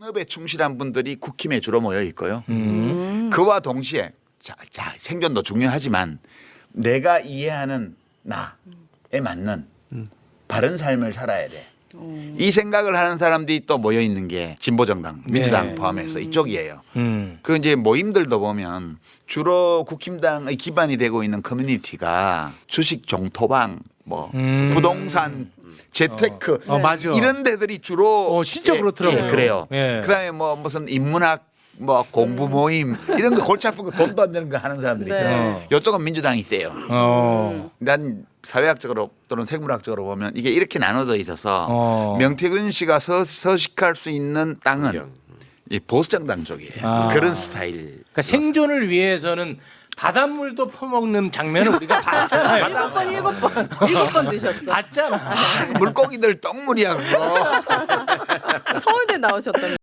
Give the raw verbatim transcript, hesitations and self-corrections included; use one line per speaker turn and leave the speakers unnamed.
산업에 충실한 분들이 국힘에 주로 모여 있고요.
음.
음.
그와 동시에 자, 자, 생존도 중요하지만 내가 이해하는 나에 맞는 바른 삶을 살아야 돼.
음.
이 생각을 하는 사람들이 또 모여 있는 게 진보정당, 민주당
네.
포함해서 이쪽이에요.
음.
그 이제 모임들도 보면 주로 국힘당의 기반이 되고 있는 커뮤니티가 주식 종토방, 뭐
음.
부동산, 재테크
어, 맞아.
이런 데들이 주로
어, 진짜
예,
그렇더라고요.
예, 그래요.
예.
그다음에 뭐 무슨 인문학 뭐 공부 모임 이런 거 골치 아픈 거 돈도 안 되는 거 하는 사람들
네.
있잖아요. 이쪽은 민주당이 세요.
어.
난 사회학적으로 또는 생물학적으로 보면 이게 이렇게 나눠져 있어서
어.
명태균 씨가 서, 서식할 수 있는 땅은 이 보수정당 쪽이에요.
아.
그런 스타일.
그러니까 생존을 위해서는 바닷물도 퍼먹는 장면을 우리가 봤잖아요.
일곱 번 일곱 번 일곱 번 드셨어.
봤잖아.
물고기들 똥물이야 그거.
서울대 나오셨던.